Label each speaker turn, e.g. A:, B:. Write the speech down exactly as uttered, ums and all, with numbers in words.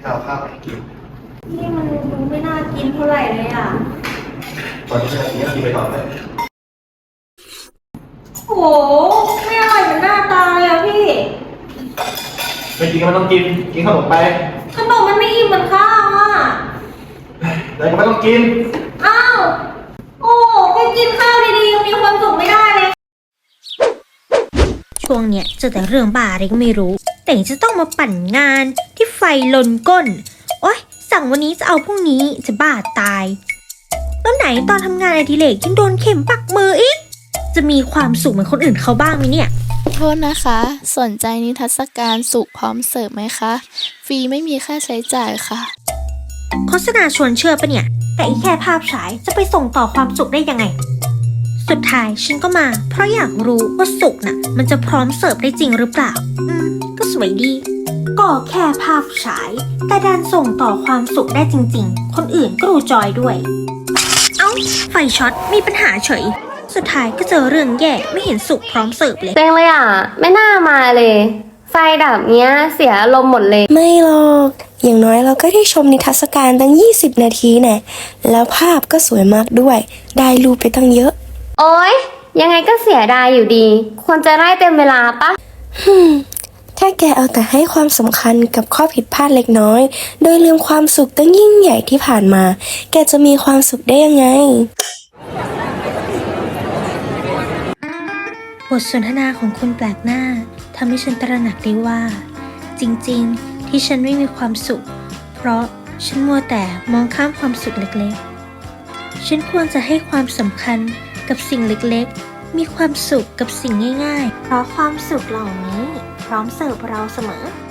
A: เอาข้าวไปกิน
B: นี่มันดูไม่น่ากินเท่าไหร่เลยอ่ะ
A: ตอนนี้ไม่ได้กินก็กินไปก่อนเลย
B: โหไม่อร่อยเหมือนหน้าตาเลยอ่ะพี่
A: ไม่กินก็ไม่ต้องกินกินขนมไป
B: ขนมมันไม่อิ่มเหมือนข้าวอ่ะ
A: เลยก็ไม่ต้องกิน
B: อ้าวโอ้ก็กินข้าวดีๆยังมีความสุขไม่ได้เลย
C: ช่วงเนี้ยเจอแต่เรื่องบ้าอะไรก็ไม่รู้แต่จะต้องมาปั่นงานที่ไฟลนก้นโอ๊ยสั่งวันนี้จะเอาพรุ่งนี้จะบ้าตายแล้วไหนตอนทำงานอดิเรกยังโดนเข็มปักมืออีกจะมีความสุขเหมือนคนอื่นเขาบ้างไหมเนี่ย
D: โทษนะคะสนใจนิทรรศการสุขพร้อมเสิร์ฟไหมคะฟรีไม่มีค่าใช้จ่ายค่ะ
C: โฆษณาชวนเชื่อปะเนี่ยแต่อีแค่ภาพฉายจะไปส่งต่อความสุขได้ยังไงสุดท้ายฉันก็มาเพราะอยากรู้ว่าสุขน่ะมันจะพร้อมเสิร์ฟได้จริงหรือเปล่าอืมก็สวยดีก็แค่ภาพฉายแต่ดันส่งต่อความสุขได้จริงๆคนอื่นก็ดูจอยด้วยเอ้าไฟช็อตมีปัญหาเฉยสุดท้ายก็เจอเรื่องแย่ไม่เห็นสุขพร้อมเสิร์ฟเลย
B: เซ็งเลยอ่ะไม่น่ามาเลยไฟดับเนี้ยเสียอารมณ์หมดเลย
E: ไม่หรอกอย่างน้อยเราก็ได้ชมนิทรรศการตั้งยี่สิบนาทีแน่แล้วภาพก็สวยมากด้วยได้รูปไปตั้งเยอะ
B: โอ๊ยยังไงก็เสียดายอยู่ดีควรจะได้เต็มเวลาปะ
E: ฮึมถ้าแกเอาแต่ให้ความสำคัญกับข้อผิดพลาดเล็กน้อยโดยลืมความสุขตั้งยิ่งใหญ่ที่ผ่านมาแกจะมีความสุขได้ยังไง
C: บทสนทนาของคนแปลกหน้าทำให้ฉันตระหนักได้ว่าจริงๆที่ฉันไม่มีความสุขเพราะฉันมัวแต่มองข้ามความสุขเล็กๆฉันควรจะให้ความสำคัญกับสิ่งเล็กๆมีความสุขกับสิ่งง่ายๆเพราะความสุขเหล่านี้พร้อมเสิร์ฟเราเสมอ